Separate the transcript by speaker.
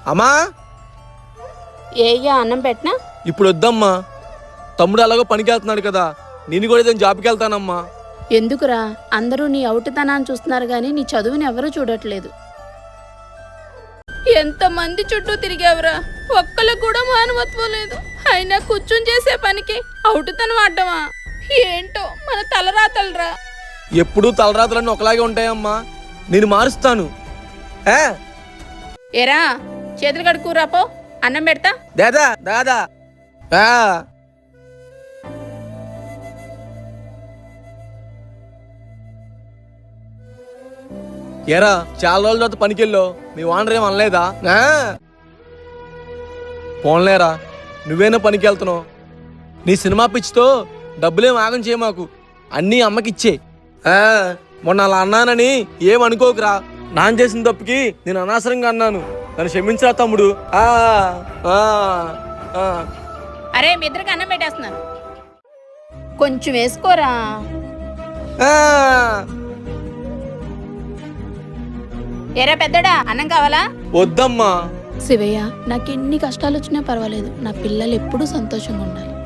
Speaker 1: అమ్మా
Speaker 2: ఏయ్యా అన్నం పెట్టనా?
Speaker 1: ఇప్పుడు వద్దమ్మా, తమ్ముడు అలాగో పనికి వెళ్తున్నాడు కదా, నేను కూడా ఏదైనా జాబ్కి వెళ్తానమ్మా.
Speaker 2: ఎందుకురా? అందరూ నీ అవుటుతనాన్ని చూస్తున్నారు గాని నీ చదువుని ఎవరూ చూడట్లేదు. ఎంతమంది చుట్టూ తిరిగావురా, ఒక్కళ్ళకు కూడా మానవత్వం లేదు. అయినా కూర్చుని చేసే పనికి అవుటుతనం ఆడ్డమా? ఏంటో మన తలరాతలరా.
Speaker 1: ఎప్పుడూ తలరాతులన్నీ ఒకలాగే ఉంటాయమ్మా, నేను మారుస్తాను.
Speaker 2: ఏరా చేతులు కడుక్కురా పో, అన్నం పెడతా.
Speaker 1: దాదా దాదా ఏరా, చాలా రోజుల తర్వాత పనికెళ్ళో మీ ఓనర్ ఏం అనలేదా? పోన్లేరా, నువ్వేనా పనికి వెళ్తున్నావు. నీ సినిమా పిచ్చితో డబ్బులేం ఆగం చేయ మాకు, అన్నీ అమ్మకిచ్చే. మొన్న అలా అన్నానని ఏమనుకోకురా, నాన్న చేసిన తప్పుకి నేను అనవసరంగా అన్నాను, నన్ను క్షమించరా తమ్ముడు.
Speaker 2: అరే మీ ఇద్దరికి అన్నం పెట్టేస్తున్నాను, కొంచెం వేసుకోరా. ఏరా పెద్దడా, అన్నం కావాలా?
Speaker 1: వద్దమ్మా.
Speaker 2: శివయ్య, నాకెన్ని కష్టాలు వచ్చినా పర్వాలేదు, నా పిల్లలు ఎప్పుడూ సంతోషంగా ఉండాలి.